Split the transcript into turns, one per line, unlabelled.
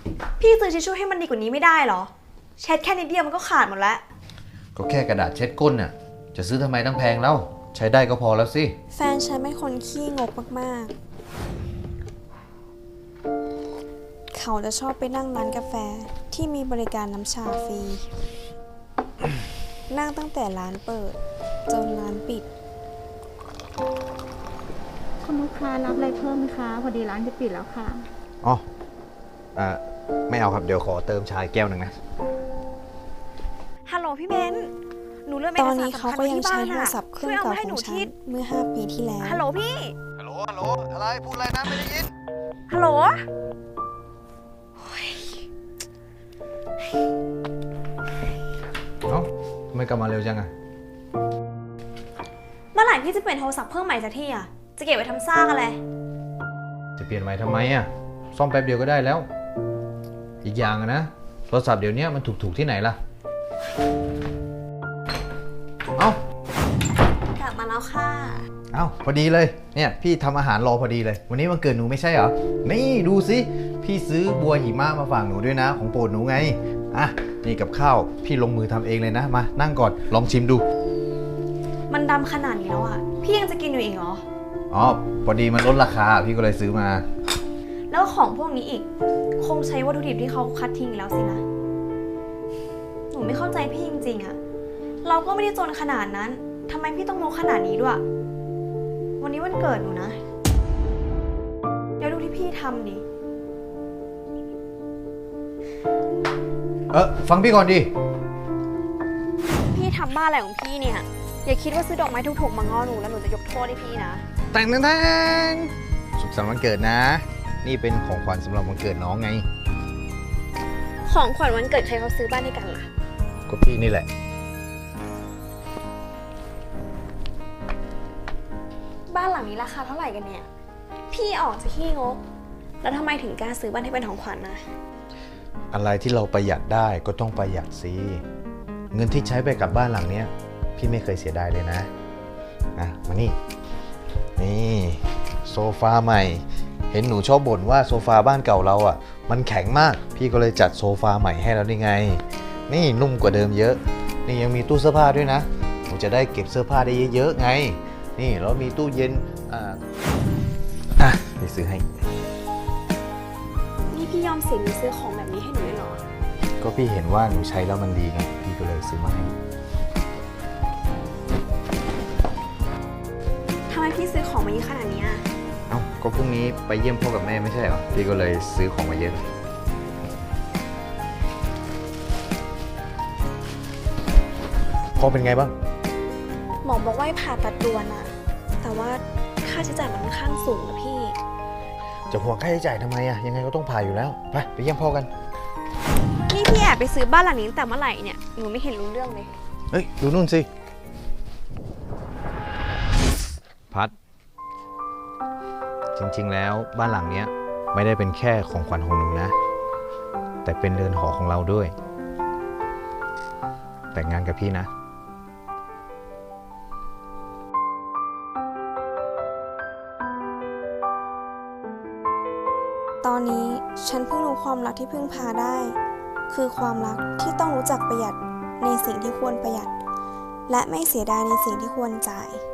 พี่ซื้อทิชชู่ให้มันดีกว่านี้ไม่ได้เหรอเช็ดแค่นิดเดียวมันก็ขาดหมดแล้ว
ก็แค่กระดาษเช็ดก้นน่ะจะซื้อทำไมตั้งแพงแล้วใช้ได้ก็พอแล้วสิ
แฟนฉันเป็นคนขี้งกมากๆเขาจะชอบไปนั่งร้านกาแฟที่มีบริการน้ำชาฟรีนั่งตั้งแต่ร้านเปิดจนร้านปิด
คุณลูกค้ารับอะไรเพิ่มไหมคะพอดีร้านจะปิดแล้วค่ะ
อ๋อไม่เอาครับเดี๋ยวขอเติมชาแก้วหนึ่งนะ
ฮัลโหลพี่เบนหนูเริ่ม
ตอนนี้เขาก็ยังใช้โทรศัพท์เครื่องเก่าของฉันเมื่อ5 ปีที่แล้ว
ฮัลโหลพี่
ฮัลโหลอะไรพูดอะไรนะไม่ได้ยิน
ฮัลโหล
เอ้าทำไมกลับมาเร็วจังอะ
เมื่อไหร่พี่จะเปลี่ยนโทรศัพท์เครื่องใหม่สักทีอะจะเก็บไว้ทำซากอะไร
จะเปลี่ยนใหม่ทำไมอะซ่อมแป๊บเดียวก็ได้แล้วอีกอย่างนะโทรศัพท์เดี๋ยวนี้มันถูกที่ไหนล่ะเอ้
ากลับมาแล้วค่ะ
เอ้าพอดีเลยเนี่ยพี่ทำอาหารรอพอดีเลยวันนี้วันเกิดหนูไม่ใช่เหรอนี่ดูสิพี่ซื้อบัวหิมะมาฝากหนูด้วยนะของโปรดหนูไงอ่ะนี่กับข้าวพี่ลงมือทำเองเลยนะมานั่งก่อนลองชิมดู
มันดำขนาดนี้แล้วอะพี่ยังจะกินอยู่อีกเหรอ
อ๋อพอดีมันลดราคาพี่ก็เลยซื้อมา
แล้วของพวกนี้อีกคงใช้วัตถุดิบที่เขาคัดทิ้งแล้วสินะหนูไม่เข้าใจพี่จริงๆอะเราก็ไม่ได้จนขนาดนั้นทำไมพี่ต้องงกขนาดนี้ด้วยวันนี้วันเกิดหนูนะเดี๋ยวดูที่พี่ทำดิ
ฟังพี่ก่อนดิ
พี่ทำบ้าอะไรของพี่เนี่ยอย่าคิดว่าซื้อดอกไม้ถูกๆมาง้อหนูแล้วหนูจะยกโทษให้พี่นะ
แต่งสุขสันต์วันเกิดนะนี่เป็นของขวัญสำหรับวันเกิดน้องไง
ของขวัญวันเกิดใครเขาซื้อบ้านให้กันล่ะ
ก็พี่นี่แหละ
บ้านหลังนี้ราคาเท่าไหร่กันเนี่ยพี่ออกจะขี้งกแล้วทำไมถึงกล้าซื้อบ้านให้เป็นของขวัญนะ
อะไรที่เราประหยัดได้ก็ต้องประหยัดสิเงินที่ใช้ไปกับบ้านหลังเนี้ยพี่ไม่เคยเสียดายเลยนะมานี่โซฟาใหม่เห็นหนูชอบบ่นว่าโซฟาบ้านเก่าเราอ่ะมันแข็งมากพี่ก็เลยจัดโซฟาใหม่ให้แล้วนี่ไงนี่นุ่มกว่าเดิมเยอะนี่ยังมีตู้เสื้อผ้าด้วยนะหนูจะได้เก็บเสื้อผ้าได้เยอะๆไงนี่แล้วมีตู้เย็นไปซื้อให้
นี่พี่ยอมเสียเงินซื้อของแบบนี้ให้หนูเลยเหรอ
ก็พี่เห็นว่าหนูใช้แล้วมันดีไงพี่ก็เลยซื้อมาให้
ทำไมพี่ซื้อของมาเยอะขนาดนี้
เอ้าก็พรุ่งนี้ไปเยี่ยมพ่อกับแม่ไม่ใช่เหรอพี่ก็เลยซื้อของมาเยอะพ่อเป็นไงบ้าง
หมอบอกว่าให้ผ่าตัดด่วนอะแต่ว่าค่าใช้จ่ายมันค่อนข้างสูงนะพี่
จะห่วงค่าใช้จ่ายทำไมอะยังไงก็ต้องผ่าอยู่แล้วไปเยี่ยมพ่อกัน
นี่พี่แอบไปซื้อบ้านหลังนี้ตั้งแต่เมื่อไหร่เนี่ยหนูไม่เห็นรู้เรื่องเลย
เฮ้ยดูนู่นสิพัดจริงๆแล้วบ้านหลังนี้ไม่ได้เป็นแค่ของขวัญของหนูนะแต่เป็นเรือนหอของเราด้วยแต่งงานกับพี่นะ
ตอนนี้ฉันเพิ่งรู้ความรักที่พึ่งพาได้คือความรักที่ต้องรู้จักประหยัดในสิ่งที่ควรประหยัดและไม่เสียดายในสิ่งที่ควรจ่าย